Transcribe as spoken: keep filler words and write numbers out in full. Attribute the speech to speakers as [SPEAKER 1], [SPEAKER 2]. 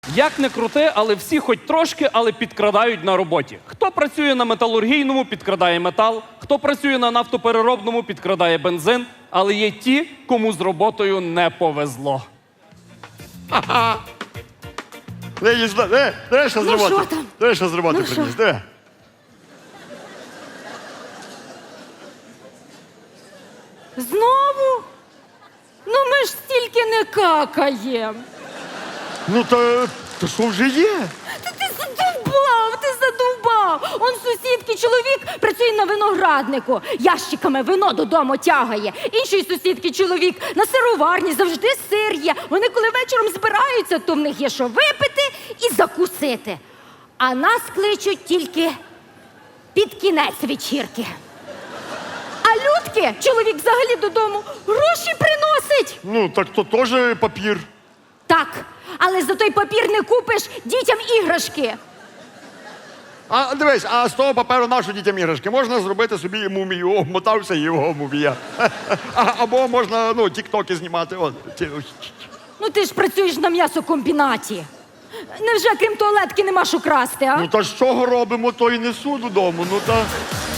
[SPEAKER 1] Як не крути, але всі хоч трошки, але підкрадають на роботі. Хто працює на металургійному, підкрадає метал, хто працює на нафтопереробному, підкрадає бензин, але є ті, кому з роботою не повезло.
[SPEAKER 2] Не, їсть, не, не, що з
[SPEAKER 3] Ну,
[SPEAKER 2] роботи.
[SPEAKER 3] що там?
[SPEAKER 2] Не, що з роботи
[SPEAKER 3] Ну,
[SPEAKER 2] приніс,
[SPEAKER 3] що?
[SPEAKER 2] не.
[SPEAKER 3] Знову? Ну ми ж стільки не какаєм.
[SPEAKER 2] Ну, то, то що вже є?
[SPEAKER 3] Та ти задовбав, ти задовбав. Он сусідки чоловік працює на винограднику, ящиками вино додому тягає. Іншої сусідки чоловік на сироварні, завжди сир є. Вони коли вечором збираються, то в них є що випити і закусити. А нас кличуть тільки під кінець вечірки. А Людки, чоловік взагалі додому, гроші приносить.
[SPEAKER 2] Ну, так то теж папір.
[SPEAKER 3] Так, але за той папір не купиш дітям іграшки.
[SPEAKER 2] А дивись, а з того паперу нашу дітям іграшки можна зробити собі мумію, обмотався і його мумія. А, або можна, ну, тік-токи знімати. От.
[SPEAKER 3] Ну ти ж працюєш на м'ясокомбінаті. Невже крім туалетки нема що красти, а?
[SPEAKER 2] Ну, та з чого робимо, то і несу додому. Ну, та...